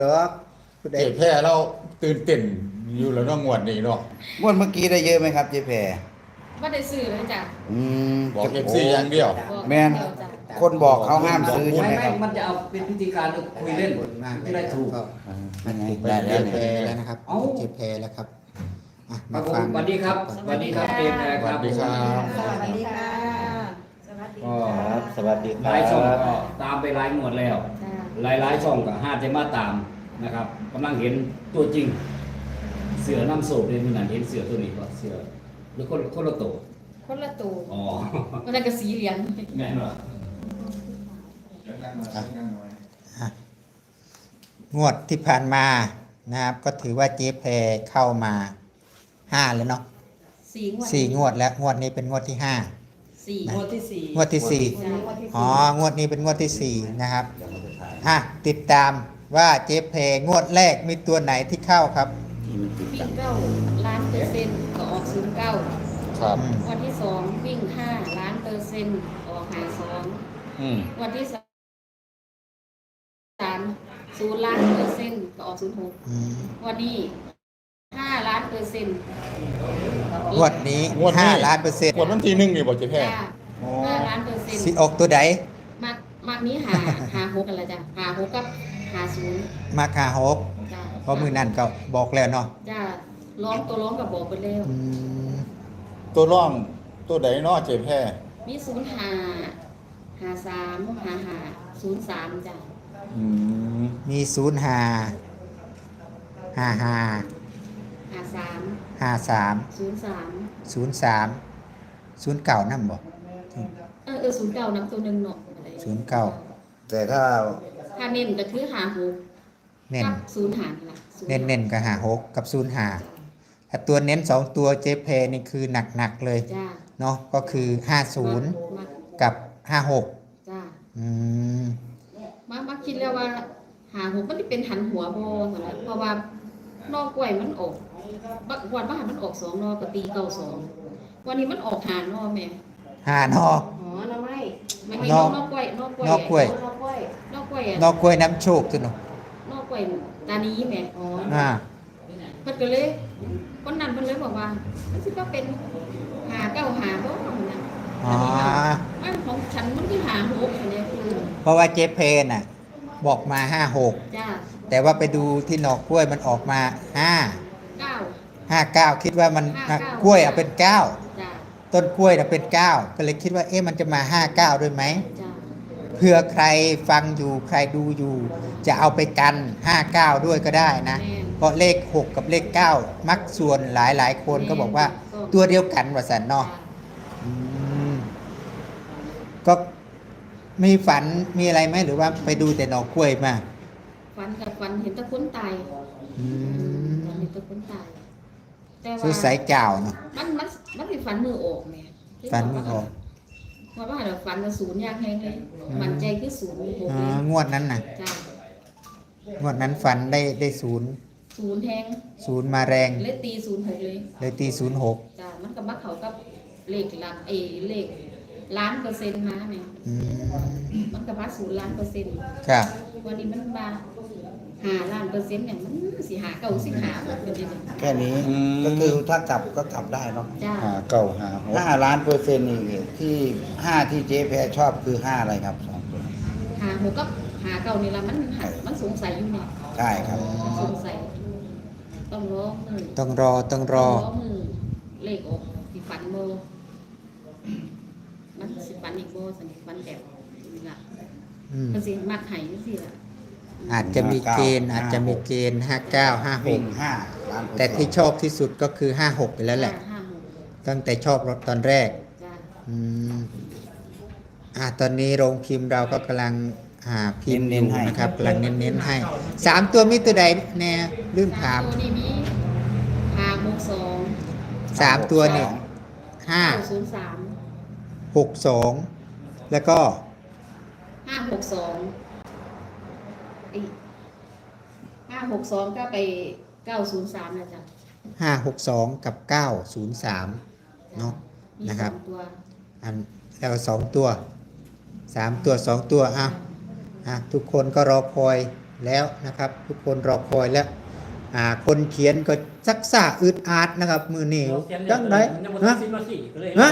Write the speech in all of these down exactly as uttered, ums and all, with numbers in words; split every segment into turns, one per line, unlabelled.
ดอกผู้ใด
เจ๊แพ้เราตื่นเต้นอยู่แล้วเน้องงวดนี้เนาะ
งวดเมื่อกี้ได้เยอะไหมครับเจ๊แพร
บ่ได้ซื้อเลยจ้ะ
อืม
บอกเอฟซีอย่างเดียว
บอก
แม่น
เดียวจ้ะ
คนบอกเขาห้ามซื้อใช่ไหม
ไม่ไม่
ครับ
มันจะเอาเป็นพิธีการคุยเล่นจะได้ถูก
อ่ายังไง
ได้
ได้
แล้
แล้ว ว
เนี่ย
แล้วนะครับ
เอ้า
เจ๊แพรแล้วครับอ่ะ
ครั
มา
บผม
ฟัง
สวัสดีครับสวัสดีครับเจมส์แพรครับ
สวัสดีครับ
สวัสดีค่ะสวัสดี
ก็
ค่ะ
ครับสวัสดีค
ห
รั
ลายช่อง
บ
ก็ตามไปหลายหมวดแล้ว
จ้ะ
หลายหลายๆช่องก็ห้าจะมาตามนะครับกำลังเห็นตัวจริง เสือน้ำโศกเลยมันนั่นเห็นเสือตัวนี้ก็เสือหรือคนคนละตัว
คนละตัว
อ๋อ
มันนั้นก็สีเหลือง
แม่นเหรอ
อ่ะงวดที่ผ่านมานะครับ ก็ถือว่าเจ๊แพรเข้ามาห้าแล้วเนาะ
สีงวด
สี่งวดแล้วงวดนี้เป็นงวดที่ห้า
สี่
นะ
งวดที่สี่
งวดที่สี่
จ้ะงวดที่สี่
อ๋องวดนี้เป็นงวดที่สี่นะครับอ่ะติดตามว่าเจ๊แพรงวดแรกมีตัวไหนที่เข้าครับ
วิ่งเก้าล้านเปอร์เซ็นต์ก็ออกศูนย์เก้า
ครับ
อืม
วันที่สองวิ่งห้าล้านเปอร์เซ็นต์ออกหาสอง
อืม
วันที่สามศูนย์ล้านเปอร์เซ็นต์ก็ออกศูนย์หก
อืม
วันนี้ห้าล้านเปอร์เซ็นต์
งวดนี้
งวดนี้
ห้าล้านเปอร์เซ็นต์
งวดวันที่หนึ่งนี่บอกเจ๊แพ้
จ้ะห้าล้านเปอร์เซ็นต์
สิออกตัวใด
มากมากนี้หาหาหกกันละจ้ะหาหกกับหาศูนย์
มาคาฮก
จ้ะ
เพราะมือนั่นก็บอกแล้วเนาะ
จ้ะร้องตัวร้องกับบอกไปแล้ว
อืม
ตัวร่องตัวใดเนาะเจ๊แพ้
มีศูนย์หาหาสามหาหาศูนย์สามจ้ะ
อืม
มีศูนย์ห้าห้าห้า
หาสาม
ห้าสาม
ศูนย์สาม
ศูนย์สามศูนย์เก่านั่นบอก
เออเออศูนย์เก้านำตัวหนึ่งเนาะอะไร
ศูนย์เก้า
แต่ถ้า
ถ้าเน้นก็คือหาหก
เน้น
กับศูนย์หานี่ล่ะศูย์
เน้นเน้นกับหาหกกับศูนย์ห้าถ้าตัวเน้นสองตัวเจเพนี่คือหนักหนักๆเลย
จ้ะ
เนาะก็คือห้าศูนย์
มา
กับห้าหก
จ้ะ
อืม
มามาคิดแล้วว่า หาหกมันสิเป็นหันหัวบ่ซั่นแหละเพราะว่านอกกล้วยมันออกบักวันว่าหันมันออกสองนอกก็ตีเก้าสองวันนี้มันออกหานอแม่
ห้านอ
อ๋อน้ำไม้ไม่ไม่
น
น
อ
อก กนอกกล้วยนอกกล้วย
นอกกล้วย
นอกกล้วยนอกกล้วยอะ
นอกกล้วยน้ำโชคตัวหนู
นอกกล้วยตานี้แม่อ๋อ
อ่า
เพิ่นก็เลยคนนั้นเพิ่นเลยบอกว่ามันสิว่าเป็นหาเก้าหาบ่นะ
อ๋อ
มันของฉันมันคือหาหกอันเนี้ยคือ
เพราะว่าเจเพน่ะ บอกมาห้าหก
จ้า
แต่ว่าไปดูที่หนอกกล้วยมันออกมาห้า
เก้า
ห้าเก้าคิดว่ามัน
ห้าเก้าก
ล้วยเอาเป็นเก้า
จ้า
ต้นกล้วยน่ะเป็นเก้าก็เลยคิดว่าเอ๊ะมันจะมาห้าเก้าด้วยไหม
จ้า
เผื่อใครฟังอยู่ใครดูอยู่ จะเอาไปกันห้าเก้าด้วยก็ได้นะ
แม่น
เพราะเลขหกกับเลขเก้ามักส่วนหลายหลายๆคนก็บอกว่าตัวเดียวกันว่าสันเนาะ
จ้า
อืมก็มีฝันมีอะไรไหมหรือว่าไปดูแต่หนอกกล้วยมา
ฝันกับฝันเห็นแตะคนตาย
อืม
ฝันเห็นแตะคนตายแต่
สุ
ว่า
ดสายเก่าเนาะ
มันมันมันสิฝันมือออกแม่
ฝันไม่ออก
เพราะว่าเราฝันกับศูนย์อย่างแฮงเลยมันใจคือศูนย์หก
อ๋
เล
อย งวดนั้นน่ะ
จ้าง
วดนั้นฝันได้ได้ศูนย์
ศูนย์แฮง
ศูนย์มาแรง
เลยตีศูนย์หกเลย
เลยตีศูนย์หก
จ้ามันก็มักเขากับเลขหลักเอเลขล้านเปอร์เซ็นต์มาเนี่ย
อืม
มันก็มาศูนย์ล้านเปอร์เซ็นต์
ครับ
วันนี้มันมาหาล้านเปอร์เซ็นต์เนี่ยมันสิหาเก้าสิบหาเป็นยังไง
แค่นี้ก็คือถ้ากลับก็กลับได้เนาะ
จ้า
หาเก่าหาหก
ห้าล้านเปอร์เซ็นต์นี่ที่ห้าที่เจ๊แพรชอบคือห้าอะไรครับสองตัว
หาหกกับหาเก้านี่ละมันหามันสงสัยอยู่เนี่ย
ใช่ครับ
มันสงสัยต้องรอมือ
ต้องรอต้องรอ
ต้องมือเลขออกสิฝันโมมันสิฝันอีกโมสันนิฝันแบบนี้ล่ะ
อืม
มันสิมักไห้สิล่ะ
อาจจะมีเกณฑ์อาจจะมีเกณฑ์ห้าเก้าห้าห
วิ่
ก
งห้าล้านเปอร์เซ็นต์
แต่ที่ชอบที่สุดก็คือห้าหกไปแล้วแหละ
ห้าหก
ตั้งแต่ชอบรถตอนแรก
จ้า
อืมอ่าตอนนี้โรงพิมพ์เราก็กำลังหาพิมพ์อยู่นะครับกำลังเน้นๆให้สามตัวมีตัวใดแน่ลืมถาม
ตัวนี้มีห้าหกสอง
สามตัวนี่ห้า
เก้าศูนย์สาม
หกสองแล้วก็
ห้าหกสองห้าหกสองก็ไปเก้าศูนย์สามนะจ๊ะ
ห้าหกสองกับเก้าศูนย์สามเนาะ
มี
นะครับ
สองตัว
อันแล้วสองตัวสามตัวสองตัวอ่ะอ่ะทุกคนก็รอคอยแล้วนะครับ ทุกคนรอคอยแล้วอ่าคนเขียนก็ซักซ่าอึดอัดนะครับมือเหนียวจังไดฮะฮะ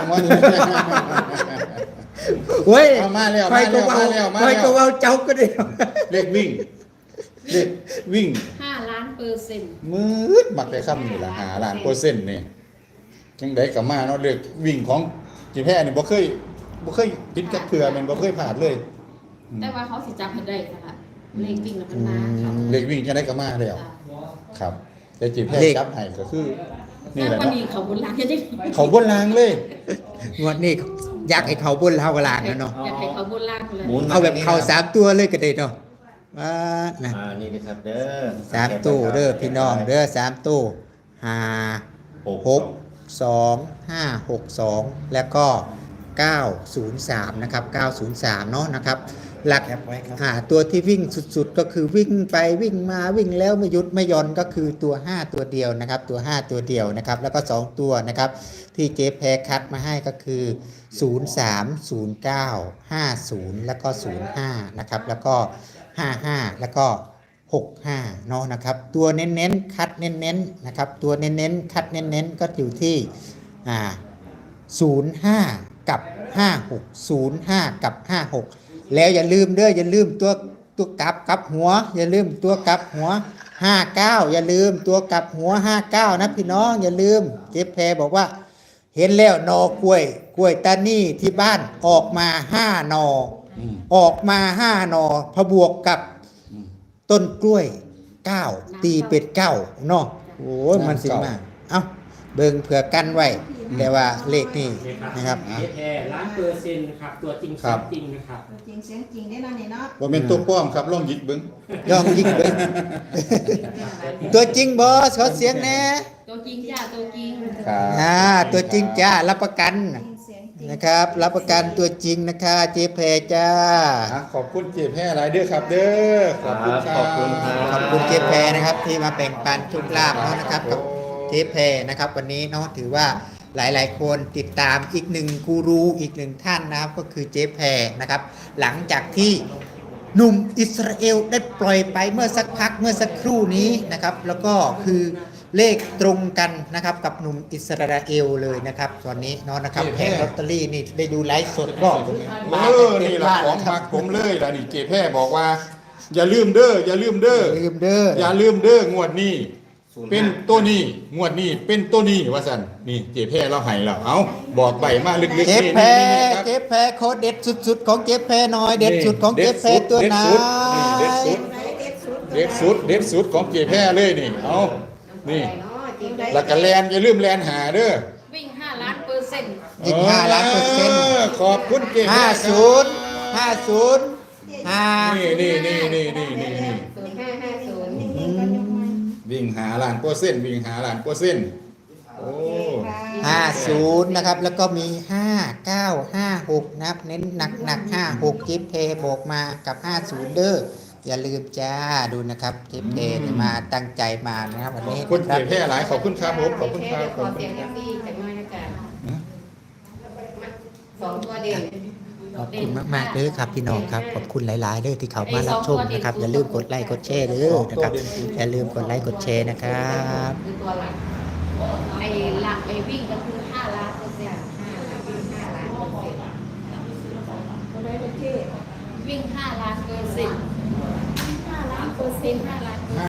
เว้ย
เอามาแล้ว
ใครก็เว้า
มาแล้วมาแล้ว
ใครก็เว้าเจ้าก็ได้
เลขวิ่งเลขวิ่ง
ห้าล้านเปอร์เซ็นต์
มืดมักได้คำนี่ละหาล้านเปอร์เซ็นต์นี่จังไดก็มาเนาะเลขวิ่งของจีแพ้นี่บ่เคยบ่เคยผิดจักเทื่อแม่นบ่เคยผ่านเลย
แต่ว่าเขาสิจับให้ได้นะคะเลขวิ่งแล้วมันมาครับ
เลขวิ่งจังไดก็มาแล้ว
จ้ะ
ครับ แต่จีแพ้
เลข
จับให้ก็คือนี่
แต่
แหละ
วัน
เนาะ
นี้เขาบนหลังจะได้
เขาบนรางเลย
งวดนี้อยากให้เขาบนเฮากลางนะเนาะ
อยากให้เขาบนล่างเลย
หมุน
เอาแบบเขาสามตัวเลยก็ได้เนาะว่านะ
อ่านี่นะครับเด้อ
สามตู้เด้อพี่น้องเด้อสามตู้ห้าหกสองห้าหกสองแล้วก็เก้าศูนย์สามนะครับเก้าศูนย์สามเนาะนะครับ หลัก
แคปไว้ครับ
อ่าตัวที่วิ่งสุดๆก็คือวิ่งไปวิ่งมาวิ่งแล้วไม่หยุดไม่หย่อนก็คือตัวห้าตัวเดียวนะครับตัวห้าตัวเดียวนะครับแล้วก็สองตัวนะครับที่เจ๊แพรคัดมาให้ก็คือศูนย์สาม ศูนย์เก้า ห้าศูนย์แล้วก็ศูนย์ห้านะครับแล้วก็ห้าห้าแล้วก็หกห้าเนาะนะครับตัวเน้นๆคัดเน้นๆนะครับตัวเน้นๆคัดเน้นๆก็อยู่ที่อ่าศูนย์ห้ากับห้าหก ศูนย์ห้ากับห้าหกแล้วอย่าลืมเด้ออย่าลืมตัวตัวกลับกลับหัว อย่าลืมตัวกลับหัวห้าเก้าอย่าลืมตัวกลับหัวห้าเก้านะพี่น้องอย่าลืมเจ๊แพรบอกว่า เห็นแล้วหนอกล้วยกล้วยตานี่ที่บ้านออกมาห้าหนอ
อืม
ออกมาห้าหนอพอบวกกับต้นกล้วยเก้าตีเป็ดเก้าเนาะโอ้ยมันสิมาเอ้าเบิ่งเผื่อกันไว้ แต่ว่าเลขนี่นะครับ
เจ๊แพรล้านเปอร์เซ็นต์นะครับตัวจริงเสียงจริงนะครับ
จริงเสียงจริงได้แล้วนี่เนาะ
บ่แม่นตัวป้อมครับลองหยิกเบิ่ง
ย่องยิงเบิ่ง ตัวจริงบอสขอเสียงแน่
ตัวจริงจ้าตัวจริง
ครับ
อ่าตัวจริงจ้ารับประกัน
จริงเสียงจริง
นะครับ รับประกันตัวจริงนะคะเจ๊แพรจ้า
อ่ะขอบคุณเจ๊แพ้หลายเด้อครับ เด้อขอบคุณครับ
ขอบคุณครับ
ขอบคุณเจ๊แพรนะครับที่มาแบ่งปันทุกลาบเนาะนะครับกับเจ๊แพรนะครับวันนี้เนาะถือว่าหลายๆ คนติดตามอีกหนึ่งกูรูอีกหนึ่งท่านนะครับก็คือเจ๊แพรนะครับ หลังจากที่หนุ่มอิสราเอลได้ปล่อยไปเมื่อสักพักเมื่อสักครู่นี้นะครับ แล้วก็คือเลขตรงกันนะครับกับหนุ่มอิสราเอลเลยนะครับตอนนี้เนาะนะครับแผงลอตเตอรี่นี่ได้ดูไลฟ์สดก็
เออนี่ล่ะของมักผมเลยล่ะนี่เจ๊แพ้บอกว่า อย่าลืมเด้ออย่าลืมเด้อ
ลืมเด้อ
อย่าลืมเด้องวดนี้ เป็นตัวนี้งวดนี้เป็นตัวนี้ว่าซั่นนี่เจ๊แพ้เราให้แล้วเอ้าบอกใบมาลึกๆ
เจ๊
นี่
แพร
นี่ๆครับ
เจ๊แพรโคตรเด็ดสุดๆ ของเจ๊แพรหน่อยเด็ดสุดของเจ๊แพรตัวไหน
เด็ดสุด เด็ดสุดเด็ดสุดของเจ๊แพ้เลยนี่เอานี่แล้วก็แลนอย่าลืมแลนหาเด้อ
วิ่งห้าล้านเปอร์เซ็นต์
อีกห้าล้านเปอร์เซ็นต์
ขอบคุณเจ๊แพ้
ห้า
ครับ
ศูนย์ห้าศูนย์ห้า
นี่นี่นี่นี่นี่นี่นี่
ศูนย์ห้าห้าศูนย์
วิ่งหาล้านเปอร์เซ็นต์วิ่งหาล้านเปอร์เซ็นต์โอ้
ห้าศูนย์นะครับ แล้วก็มีห้าเก้าห้าหกนะครับเน้นหนักหนักห้าหกเจ๊แพรบอกมากับห้าศูนย์เด้ออย่าลืมจ้าดูนะครับเจ๊แพรเนี่ยมาตั้งใจมานะครับวัน
ขอบ
นี้
คุณ
นะครั
เจ๊
บ
แพ้หลายขอบคุณครับผมขอบคุณครับ
ขอเสียงเอฟซีจากน้อยนะจ๊ะสองตัวเด่น
ขอบคุณมากๆเลยครับพี่น้องครับขอบคุณหลายๆเลยที่เขามารับชมนะครับอย่าลืมกดไลค์กดแชร์เด้อนะครับอย่าลืมกดไลค์กดแชร์นะครับ
คือตัวหลักไอ้หลักไอ้วิ่งก็คือห้าล้านเปอร์เซ็นต์ห้าวิ่งห้าล้านเปอร์เซ็นต์วิ่งห้าล้านเปอร์เซ็นต์ห้าล้านเปอร์เซ็นต์ห้าล้าน